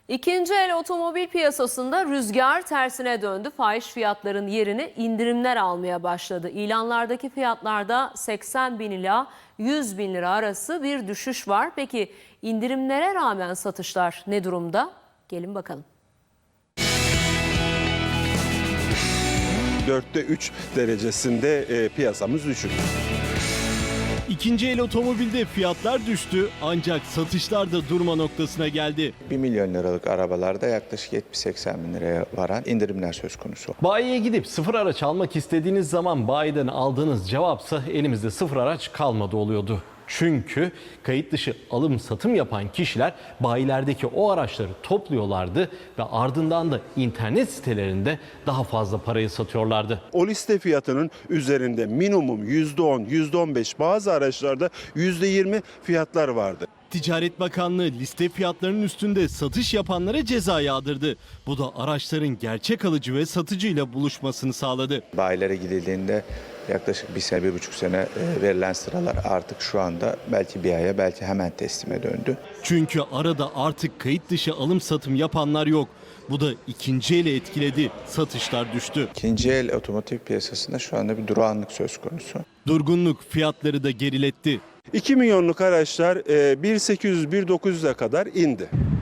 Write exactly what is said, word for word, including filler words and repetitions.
İkinci el otomobil piyasasında rüzgar tersine döndü. Fahiş fiyatların yerini indirimler almaya başladı. İlanlardaki fiyatlarda seksen bin ila yüz bin lira arası bir düşüş var. Peki indirimlere rağmen satışlar ne durumda? Gelin bakalım. dörtte üç derecesinde e, piyasamız düşük. İkinci el otomobilde fiyatlar düştü ancak satışlar da durma noktasına geldi. bir milyon liralık arabalarda yaklaşık yetmiş seksen bin liraya varan indirimler söz konusu. Bayiye gidip sıfır araç almak istediğiniz zaman bayiden aldığınız cevapsa elimizde sıfır araç kalmadı oluyordu. Çünkü kayıt dışı alım satım yapan kişiler bayilerdeki o araçları topluyorlardı ve ardından da internet sitelerinde daha fazla parayı satıyorlardı. O liste fiyatının üzerinde minimum yüzde on, yüzde on beş, bazı araçlarda yüzde yirmi fiyatlar vardı. Ticaret Bakanlığı liste fiyatlarının üstünde satış yapanlara ceza yağdırdı. Bu da araçların gerçek alıcı ve satıcıyla buluşmasını sağladı. Bayilere gidildiğinde yaklaşık bir sene, bir buçuk sene verilen sıralar artık şu anda belki bir aya, belki hemen teslime döndü. Çünkü arada artık kayıt dışı alım satım yapanlar yok. Bu da ikinci eli etkiledi. Satışlar düştü. İkinci el otomotiv piyasasında şu anda bir durağanlık söz konusu. Durgunluk fiyatları da geriletti. iki milyonluk araçlar bir bin sekiz yüz, bir bin dokuz yüze kadar indi.